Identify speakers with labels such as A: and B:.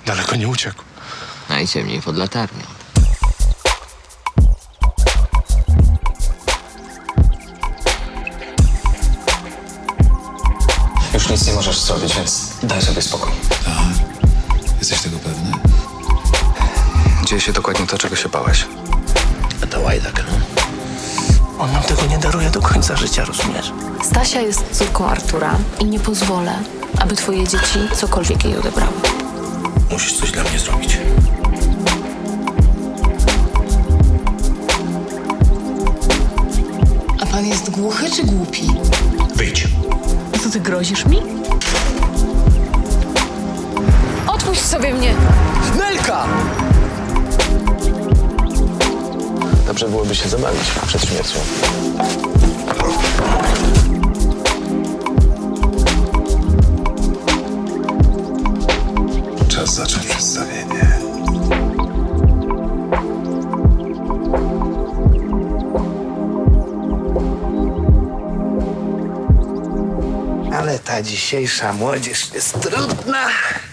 A: Daleko nie uciekł.
B: Najciemniej pod latarnią.
C: Już nic nie możesz zrobić, więc daj sobie spokój.
D: Jesteś tego pewny?
C: Dzieje się dokładnie to, czego się bałeś.
D: A to łajdak, no.
A: On nam tego nie daruje do końca życia, rozumiesz?
E: Stasia jest córką Artura i nie pozwolę, aby twoje dzieci cokolwiek jej odebrały.
D: Musisz coś dla mnie zrobić.
F: A pan jest głuchy czy głupi?
D: Wyjdź.
E: Co ty grozisz mi? Odpuść sobie mnie!
A: Nelka!
C: Dobrze byłoby się zabawić przed śmiercią.
D: Czas zacząć przedstawienie.
A: Ale ta dzisiejsza młodzież jest trudna.